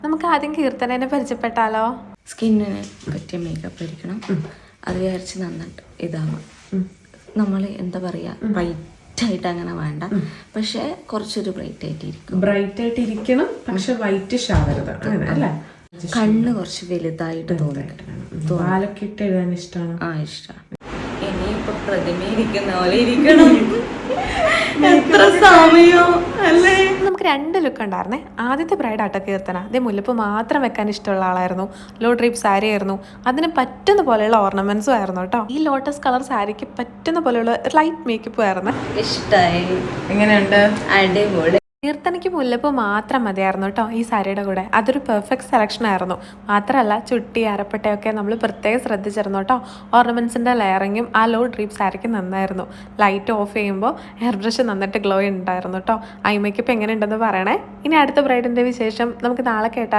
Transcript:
നമുക്ക് ആദ്യം കീർത്തനേനെ പരിചയപ്പെട്ടാലോ? സ്കിന്നിന് പറ്റിയ മേക്കപ്പ് ആയിരിക്കണം. അത് വിചാരിച്ച് നന്നിട്ട് ഇതാവാം. നമ്മൾ എന്താ പറയുക, ബ്രൈറ്റ് ആയിട്ട് അങ്ങനെ വേണ്ട, പക്ഷെ കുറച്ചൊരു ബ്രൈറ്റ് ആയിട്ടിരിക്കണം, പക്ഷെ വൈറ്റ് ആവരുത് അല്ലേ? കണ്ണ് കുറച്ച് വലുതായിട്ട് തോന്നിട്ട് പാലൊക്കെ ഇട്ട് എഴുതാൻ ഇഷ്ടമാണ്. ഇഷ്ടമാണ്. ഇനിയിപ്പോ പ്രതിമയിരിക്കുന്ന പോലെ ഇരിക്കണം. എത്ര സമയോ അല്ലേ? നമുക്ക് 2 ലുക്ക് ഉണ്ടായിരുന്നേ. ആദ്യത്തെ ബ്രൈഡ് ആട്ടോ കീർത്തന. അതേ മുല്ലപ്പ് മാത്രം വെക്കാൻ ഇഷ്ടമുള്ള ആളായിരുന്നു. ലോ ഡ്രീപ്പ് സാരി ആയിരുന്നു. അതിന് പറ്റുന്ന പോലെയുള്ള ഓർണമെന്റ്സും ആയിരുന്നു കേട്ടോ. ഈ ലോട്ടസ് കളർ സാരിക്ക് പറ്റുന്ന പോലെയുള്ള ലൈറ്റ് മേക്കപ്പും ആയിരുന്നു. ഇഷ്ടായി. എങ്ങനെയുണ്ട്? അടിപൊളി. കീർത്തനയ്ക്ക് മുല്ലപ്പ് മാത്രം മതിയായിരുന്നു കേട്ടോ ഈ സാരിയുടെ കൂടെ. അതൊരു പെർഫെക്റ്റ് സെലക്ഷൻ ആയിരുന്നു. മാത്രമല്ല ചുട്ടി അരപ്പട്ടയൊക്കെ നമ്മൾ പ്രത്യേകം ശ്രദ്ധിച്ചിരുന്നു കേട്ടോ. ഓർണമെന്റ്സിന്റെ ലെയറിങ്ങും ആ ലോ ഡ്രീപ്പ് സാരിക്ക് നന്നായിരുന്നു. ലൈറ്റ് ഓഫ് ചെയ്യുമ്പോൾ ഹെയർ ബ്രഷ് നന്നിട്ട് ഗ്ലോ ഉണ്ടായിരുന്നു കേട്ടോ. ഐ മേക്കപ്പ് എങ്ങനെ ഉണ്ടെന്ന് പറയണേ. ഇനി അടുത്ത ബ്രൈഡിന്റെ വിശേഷം നമുക്ക് നാളെ കേട്ടാൽ